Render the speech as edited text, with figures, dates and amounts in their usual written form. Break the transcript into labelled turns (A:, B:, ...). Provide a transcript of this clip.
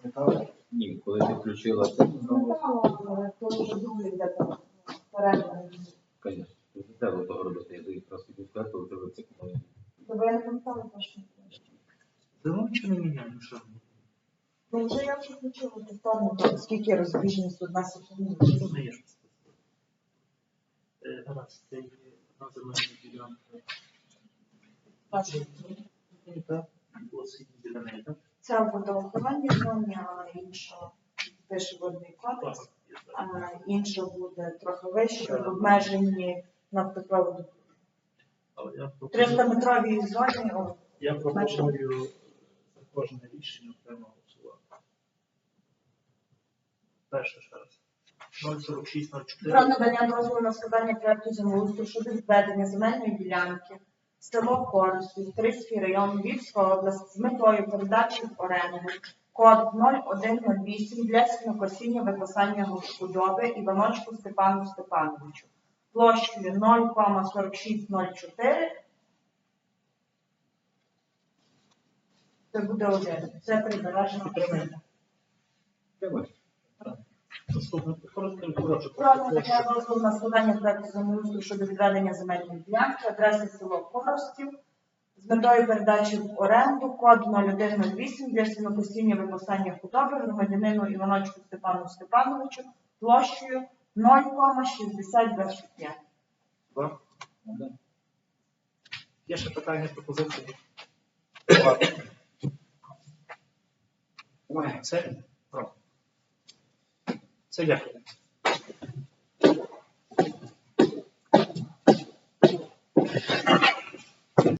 A: Ні, коли ти включила це,
B: Коли вже дубль йде перегляд.
A: звісно, не треба того робити. Я якраз хотів сказати, коли ти вицикнули.
B: Тобто я не пам'ятала точно.
C: Давно нічого не міняємо, що?
B: Ну вже я вже включила повторно, скільки розбіжність одна секунда.
C: Це не є що сказати. Гаразд, це є одна земельна ділянка. Так, осінь біля неї, так?
B: Це в водоохоронній зоні, а інша пише водний кодекс, а інша буде трохи вище, в обмеженні нафтопроводу.
C: Але я
B: 300-метровій зоні.
C: Я пропоную за кожне рішення окремо голосувати. Перше ще раз. 04604.
B: Про надання дозволу на складання проекту землеустрою щодо відведення земельної ділянки село Корсів, Трицький район, Львівська область з метою передачі в оренду код 0108 для сінокосіння випасання худоби Іваночку Степану Степановичу площею 0,4604. Це буде один. Це прибережна зона.
C: Наступне коротше.
B: Про надання дозволу на складання проекту землеустрою щодо відведення земельної ділянки, адреса село Коростів, з метою передачі в оренду, код 0108 для сінокосіння випасання худоби громадянину Іваночку Степану Степановичу площею 0,6025.
C: Два. Є ще питання, пропозиції? Це? Право. Це дякую.